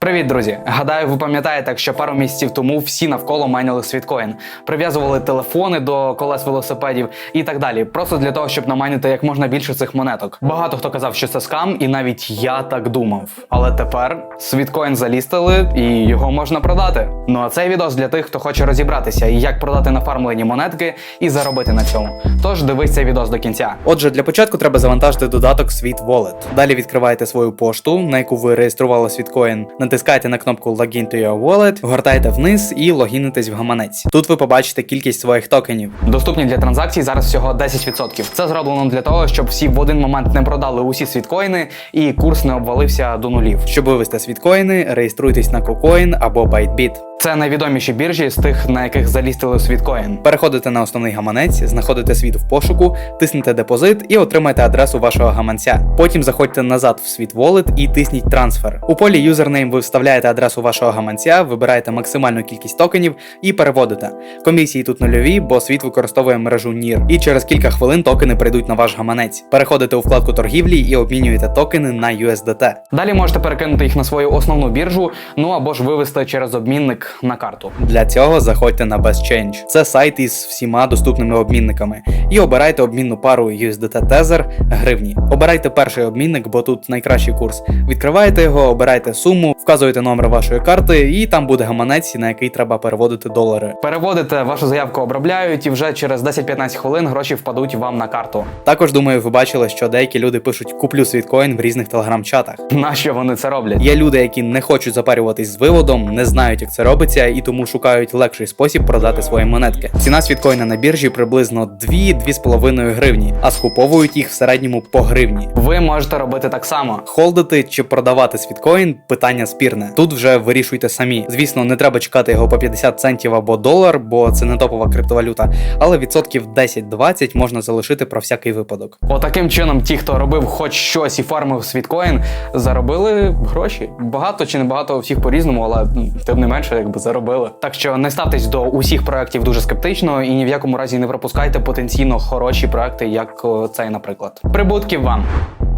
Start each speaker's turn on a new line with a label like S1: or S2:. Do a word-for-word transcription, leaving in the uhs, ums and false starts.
S1: Привіт, друзі! Гадаю, ви пам'ятаєте, що пару місяців тому всі навколо майнили світкоін, прив'язували телефони до колес велосипедів і так далі, просто для того, щоб намайнити як можна більше цих монеток. Багато хто казав, що це скам, і навіть я так думав. Але тепер світкоін залістили і його можна продати. Ну а цей відос для тих, хто хоче розібратися, і як продати нафармлені монетки і заробити на цьому. Тож дивись цей відос до кінця. Отже, для початку треба завантажити додаток SweetWallet. Далі відкриваєте свою пошту, на яку ви реєстрували світкоін. Натискаєте на кнопку Login to your wallet, гортаєте вниз і логінитесь в гаманець. Тут ви побачите кількість своїх токенів. Доступні для транзакцій зараз всього десять відсотків. Це зроблено для того, щоб всі в один момент не продали усі світкоїни і курс не обвалився до нулів. Щоб вивести світкоїни, реєструйтесь на KuCoin або Bytebit. Це найвідоміші біржі з тих, на яких залістили світкоін. Переходите на основний гаманець, знаходите світ в пошуку, тиснете депозит і отримаєте адресу вашого гаманця. Потім заходьте назад в SweetWallet і тисніть трансфер. У полі юзернейм ви вставляєте адресу вашого гаманця, вибираєте максимальну кількість токенів і переводите. Комісії тут нульові, бо світ використовує мережу нір. І через кілька хвилин токени прийдуть на ваш гаманець. Переходите у вкладку торгівлі і обмінюєте токени на ю ес ді ті. Далі можете перекинути їх на свою основну біржу, ну або ж вивести через обмінник на карту. Для цього заходьте на BestChange. Це сайт із всіма доступними обмінниками. І обирайте обмінну пару ю ес ді ті Tether гривні. Обирайте перший обмінник, бо тут найкращий курс. Відкриваєте його, обирайте суму, вказуєте номер вашої карти і там буде гаманець, на який треба переводити долари. Переводите, вашу заявку обробляють і вже через десять-п'ятнадцять хвилин гроші впадуть вам на карту. Також, думаю, ви бачили, що деякі люди пишуть «куплю світкоін» в різних телеграм-чатах. Нащо вони це роблять? Є люди, які не хочуть запарюватись з виводом, не знають, як це робиться, і тому шукають легший спосіб продати свої монетки. Ціна світкоїна на біржі приблизно дві-дві з половиною гривні, а скуповують їх в середньому по гривні. Ви можете робити так само. Холдити чи продавати світкоін – питання спірне. Тут вже вирішуйте самі. Звісно, не треба чекати його по п'ятдесят центів або долар, бо це не топова криптовалюта, але відсотків десять-двадцять можна залишити про всякий випадок. Отаким чином ті, хто робив хоч щось і фармив світкоін, заробили гроші. Багато чи не багато, у всіх по-різному, але тим не менше, якби заробили. Так що не ставтесь до усіх проєктів дуже скептично і ні в якому разі не пропускайте потенційно хороші проекти, як цей, наприклад. Прибутків вам!